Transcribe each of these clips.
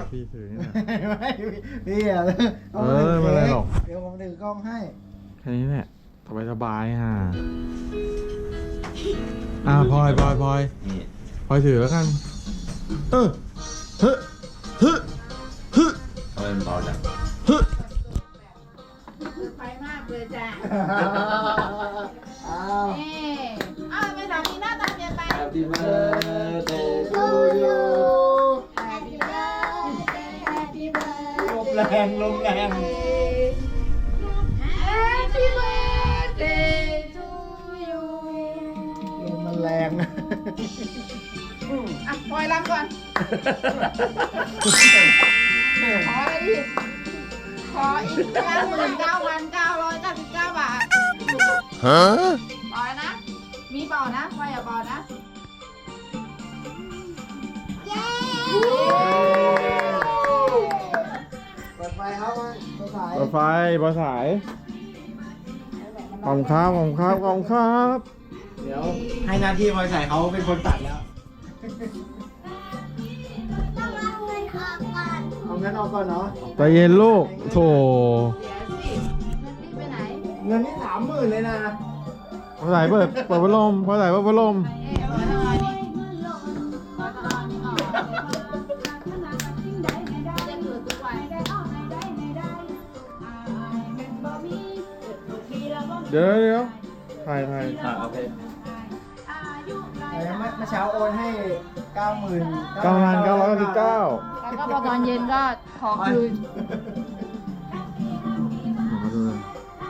พี่ถือนี่แหละไม่พี่อะไม่เป็นไรหรอกเดี๋ยวผมถือกล้องให้แค่นี้แหละสบายฮะพลอยถือแล้วกันเฮ้ทำไมมันเบาจังไฟมากเลยจ้ะอ้าวไม่ถามมีหน้าตาเปลี่ยนไป Happy birthday to you Happy birthday Happy birthday ลมแรงลมแรง Happy birthday to you ลมมันแรงปล่อยลำก่อน ขอเลยดิขออีก99,999 บาทปล่อยนะ มีเปล่านะปล่อยอย่าเปล่านะ เย้เปิดไฟครับเปิดไฟรถไฟบอสายขอบคุณครับเดี๋ยวให้หน้าที่บอยใส่เขาเป็นคนตัดแล้วเอาเงินออกก่อนเนาะใจเย็นลูกโถเดี๋ยวสิเงินรีบไปไหนเงินนี่30,000เลยนะพอสายเปิดพัดลมพอสายเปิดพัดลมเอาไว้ทำไมนี่เอาตอนนี้ออกจะเกิดทุกวันเดี๋ยวถ่ายโอเคเมื่อเช้าโอนให้ 90,000 9,999 แล้วก็พอตอนเย็นก็ขอคืนมาดูเลย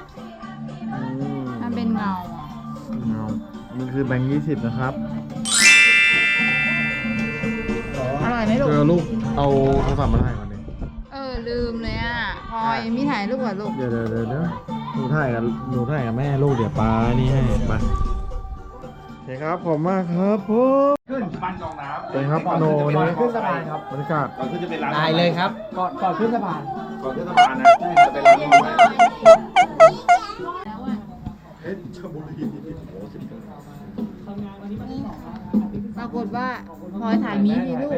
มันเป็นเงามันคือแบงค์20นะครับอร่อยไหมลูกลูกเอาโทรศัพท์มาถ่ายก่อนดิลืมเลยอ่ะพลอยมีถ่ายรูปก่อนลูกเดี๋ยวหนูถ่ายกับแม่ลูกเดี๋ยวป้านี่ให้ไปโอเคครับขอบมากครับผมขึ้นปั้นกองน้ำเป็นครับโนวันนี้ขึ้นสะพานครับบรรยากาศก่อนขึ้นจะเป็นร้านได้เลยครับก่อนขึ้นสะพานก่อนขึ้นสะพานนะจะเป็นร้านกาแฟแล้วอ่ะปรากฏว่าพลอยถ่ายมีมีลูก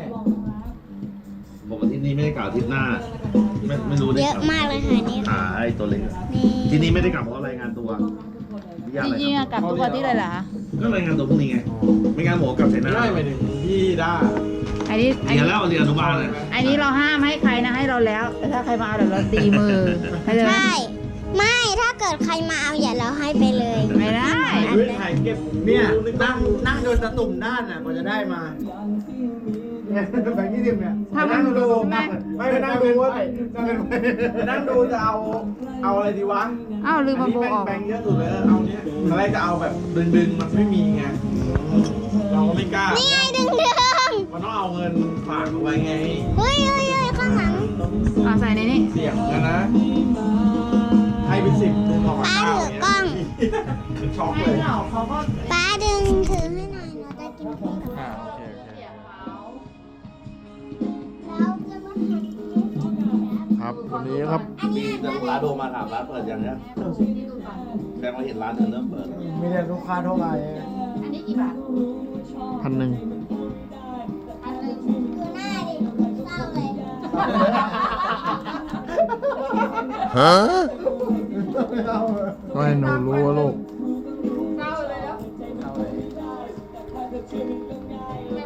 บอกว่าที่นี่ไม่ได้กล่าวอาทิตย์หน้า ไม่รู้ได้เยอะมากเลยค่ะนี่ไอ้ตัวเล็กอะนี่ที่นี่ไม่ได้กลับเพราะรายงานตัวจริงๆอะกลับทุกวันที่เลยเหรอคะก็รายงานตัวพรุ่งนี้ไง ไม่งั้นหมอกลับใส่หน้าได้ไปถึงพี่ด้าอันนี้เรียนแล้วเรียนอนุบาลเลยอันนี้เราห้ามให้ใครนะให้เราแล้ว แต่ถ้าใครมาเอาเดี๋ยวเราตีมือเข้าใจไหมใช่ ไม่ถ้าเกิดใครมาเอาอย่าเราให้ไปเลยไม่ได้ถ่ายเก็บเนี่ยนั่งโดนตะตุ่มด้านน่ะกว่าจะได้มาเนี่ยแบงค์20เนี่ยถ้ามันนั่งดูใช่ไหมไม่ไปนั่งดูว่านั่งดูจะเอาอะไรดีวะอ้าวลืมมาโบออกแบงค์เยอะสุดเลยเอาเนี้ยตอนแรกจะเอาแบบดึงมันไม่มีไงเราก็ไม่กล้านี่ไงดึงมันต้องเอาเงินฝากเอาไว้ไงเฮ้ยข้างหลังใส่ในนี้เสี่ยงกันนะ ให้เป็น10ออกมาป้าถือกล้องเป็นช็อกให้เลยเราเขาก็ป้าดึงถือให้หน่อยเราจะกินเค้กกับโอเคเราจะมาหั่นเค้กกันนะครับวันนี้ครับอันมีนี้แต่ลูกค้าโทรมาถามร้านเปิดยังเนี่ยแสดงว่าเห็นร้านเธอเริ่มเปิดมีแต่ลูกค้าเท่าไหร่อันนี้กี่บาท 1,000 อันหนึ่งดูหน้าดิเศร้าเลยก็ให้หนูรู้ว่าลูกเก้าเลยแล้วแม่